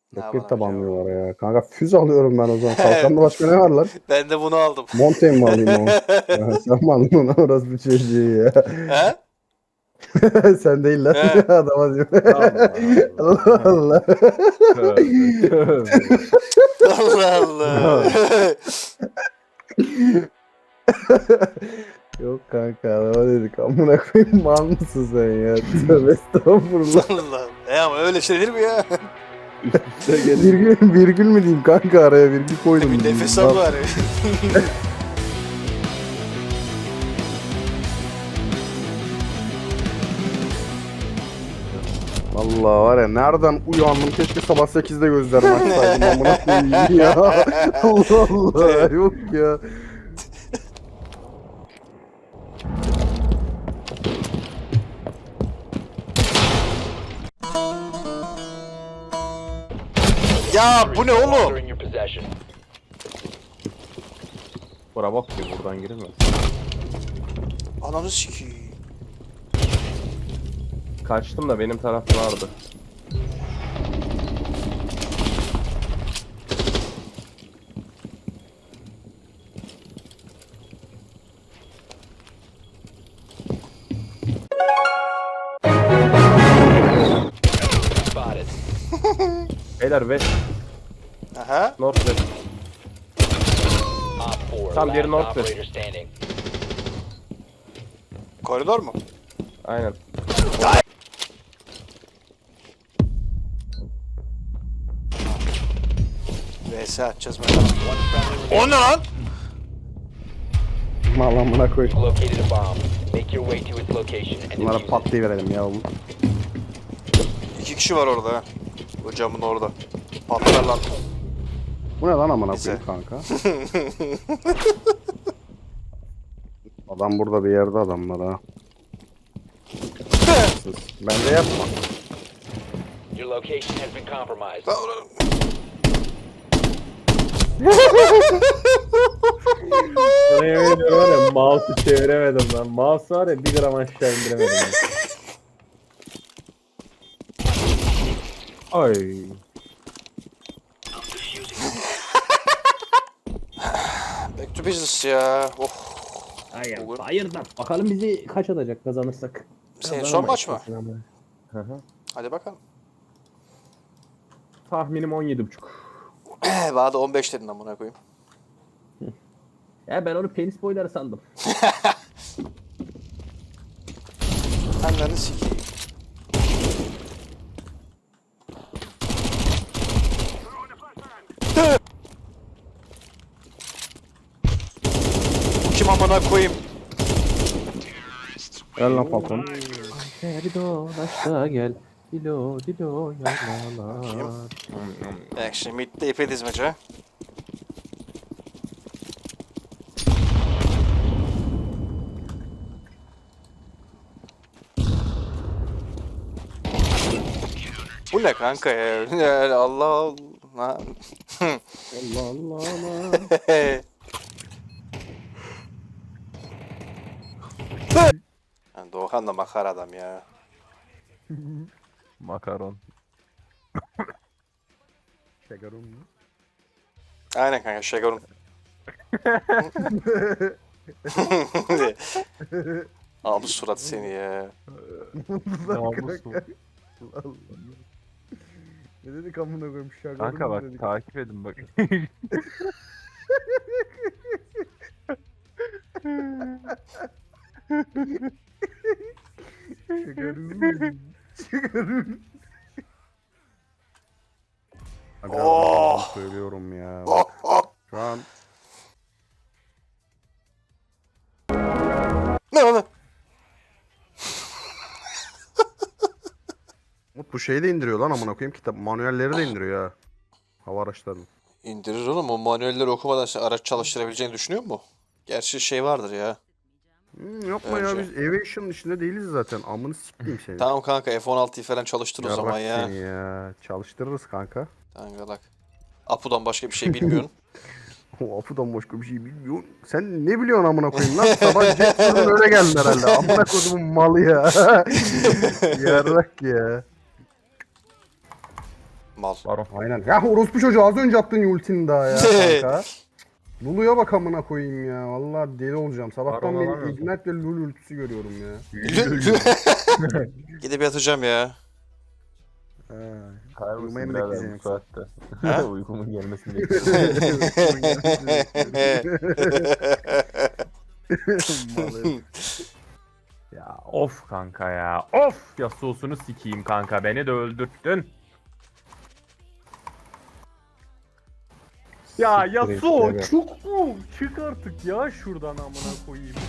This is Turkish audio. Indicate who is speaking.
Speaker 1: Ne
Speaker 2: Roket
Speaker 1: yapalım
Speaker 2: tabanlıyorlar ya. Kanka füze alıyorum ben o zaman. Kalkanda başka ne var lan?
Speaker 1: Ben de bunu aldım.
Speaker 2: Mountain mi alayım o? Ya sen mi aldın onu orası bir çocuğu ya?
Speaker 1: He?
Speaker 2: Sen değil lan.
Speaker 1: He.
Speaker 2: Adama diyor.
Speaker 3: Allah
Speaker 2: Allah
Speaker 3: Allah.
Speaker 2: Allah.
Speaker 3: Tövbe tövbe.
Speaker 1: Allah Allah.
Speaker 2: Yok kanka adama dedik amına koyayım mal mısın sen ya? Tövbe estağfurullah.
Speaker 1: Allah. Ama öyle şey değil mi ya?
Speaker 3: Üste gelin.
Speaker 2: Virgül mü diyeyim kanka araya virgül koydum.
Speaker 1: Bir nefes al bari.
Speaker 2: Vallahi var ya nereden uyandım keşke sabah 8'de gözlerimi açsaydım amına koyayım ya. Allah Allah yok ya.
Speaker 1: Ya bu ne oğlum?
Speaker 4: In your possession.
Speaker 3: Bura bak ki buradan giremez.
Speaker 1: Ananı sikeyim.
Speaker 3: Kaçtım da benim tarafta vardı.
Speaker 4: Spotted.
Speaker 3: Beyler west,
Speaker 1: Aha.
Speaker 3: north west.
Speaker 4: Op 4.
Speaker 3: Tam diğeri
Speaker 4: Last
Speaker 3: Northwest.
Speaker 4: operator standing.
Speaker 1: Koridor mu?
Speaker 3: Aynen.
Speaker 1: VS atacağız bakalım. O ne lan?
Speaker 2: Mal amına koyayım.
Speaker 4: Located a bomb. Make your way to its location and
Speaker 2: Bunlara
Speaker 4: defuse it.
Speaker 2: patlayıverelim ya oğlum.
Speaker 1: 2 kişi var orada ha. O camın orada. Patlar lan.
Speaker 2: Bu ne lan amına
Speaker 1: Bize.
Speaker 2: koyayım kanka? Adam burada bir yerde adamlar ha. Bence yapma.
Speaker 4: Your location has been compromised.
Speaker 3: Sana yemin ediyorum var ya mouse'u çeviremedim lan. Mouse var ya 1 gram aşağı indiremedim. ya. Ay.
Speaker 1: Back to business ya. Oh.
Speaker 3: Ay
Speaker 1: Bugün-
Speaker 3: hayırdan. Bakalım bizi kaç atacak kazanırsak.
Speaker 1: Senin son maç mı?
Speaker 3: Hı hı.
Speaker 1: Hadi bakalım.
Speaker 3: Tahminim 17.5.
Speaker 1: Bana da 15 dedin amına koyayım.
Speaker 3: Ya ben onu penis boyları sandım.
Speaker 1: Ananı sikeyim. Kim amına koyayım?
Speaker 2: Gel lan patron.
Speaker 3: Gel dolaşta gel. Dilo dilo yaylalar.
Speaker 1: Bak şimdi midde ipe dizmece. Ha? Bu ne kanka ya? Yani Allah Allah.
Speaker 3: Allah Allah Allah.
Speaker 1: Yani Doğukan da makar adam ya.
Speaker 3: Makaron.
Speaker 2: Şekerim mi?
Speaker 1: Aynen kanka Şegarun. Abi surat seni ya.
Speaker 3: Namus mu?
Speaker 2: Ne dedik amına koyayım şekerim
Speaker 3: Kanka bak
Speaker 2: dedik.
Speaker 3: takip edin bak.
Speaker 2: Şekerim. Şekerim. Abi
Speaker 1: Oh!
Speaker 2: söylüyorum ya.
Speaker 1: Oh, oh.
Speaker 2: Şu an
Speaker 1: Ne lan?
Speaker 2: Umut bu şeyi de indiriyor lan amına koyayım kitap manuelleri de indiriyor ha. Hava araçlarını.
Speaker 1: İndirir oğlum o manuelleri okumadan sen araç çalıştırabileceğini düşünüyor mu? Gerçi şey vardır ya.
Speaker 2: Yapma ya
Speaker 1: Önce.
Speaker 2: biz Aviation'ın içinde değiliz zaten. Amını sikeyim seni.
Speaker 1: Tamam kanka F-16'yı falan çalıştır o zaman
Speaker 2: Yarrak
Speaker 1: ya.
Speaker 2: seni ya. Çalıştırırız kanka.
Speaker 1: Dangalak. Apu'dan başka bir şey bilmiyorsun.
Speaker 2: O Apu'dan başka bir şey bilmiyorsun. Sen ne biliyorsun amına koyayım lan? Sabah Jetson'un öyle geldin herhalde. Amına koyduğumun malı ya. Yarrak ya.
Speaker 1: Mal.
Speaker 3: Baron.
Speaker 2: Aynen. Ya orospu çocuğu az önce attın ultini daha ya kanka. Lulu'ya bak amına koyayım ya. Vallahi deli olacağım. Sabahtan
Speaker 3: Baron
Speaker 2: beri
Speaker 3: alamıyorsun.
Speaker 2: Ignite ve Lulu ultisi görüyorum ya.
Speaker 1: Gidip yatacağım ya.
Speaker 3: Hayır
Speaker 2: Uyumayı
Speaker 3: mısın
Speaker 2: mı
Speaker 3: birader
Speaker 2: bekleyeceksin
Speaker 3: bu
Speaker 2: yoksa?
Speaker 3: saatte? Uykumun gelmesini bekliyorum. Ya of kanka ya. Of Yasuo'sunu sikeyim kanka. Beni de öldürttün. Ya Yasuo
Speaker 2: Evet.
Speaker 3: çok mu? Çık artık ya şuradan amına koyayım.